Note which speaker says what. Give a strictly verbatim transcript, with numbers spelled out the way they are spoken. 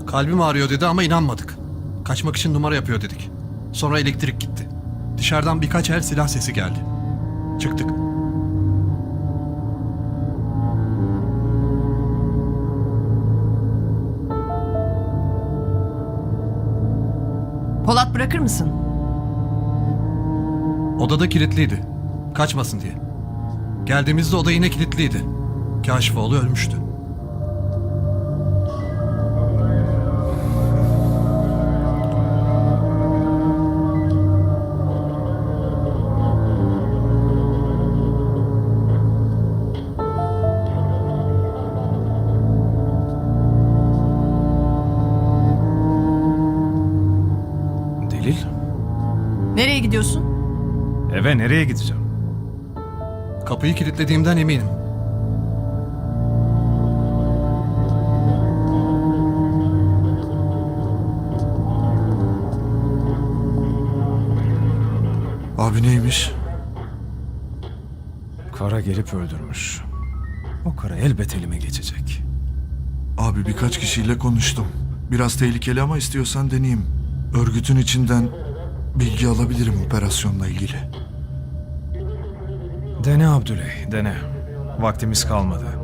Speaker 1: Kalbim ağrıyor dedi ama inanmadık. Kaçmak için numara yapıyor dedik. Sonra elektrik gitti. Dışarıdan birkaç el silah sesi geldi. Çıktık.
Speaker 2: Polat bırakır mısın?
Speaker 1: Odada kilitliydi. Kaçmasın diye. Geldiğimizde oda yine kilitliydi. Kaşifoğlu ölmüştü.
Speaker 3: Delil?
Speaker 2: Nereye gidiyorsun?
Speaker 3: Eve nereye gideceğim?
Speaker 1: Kapıyı kilitlediğimden eminim.
Speaker 4: Abi neymiş?
Speaker 3: Kara gelip öldürmüş. O kara elbet elime geçecek.
Speaker 4: Abi birkaç kişiyle konuştum. Biraz tehlikeli ama istiyorsan deneyeyim. Örgütün içinden bilgi alabilirim operasyonla ilgili.
Speaker 3: Dene Abdüley, dene. Vaktimiz kalmadı.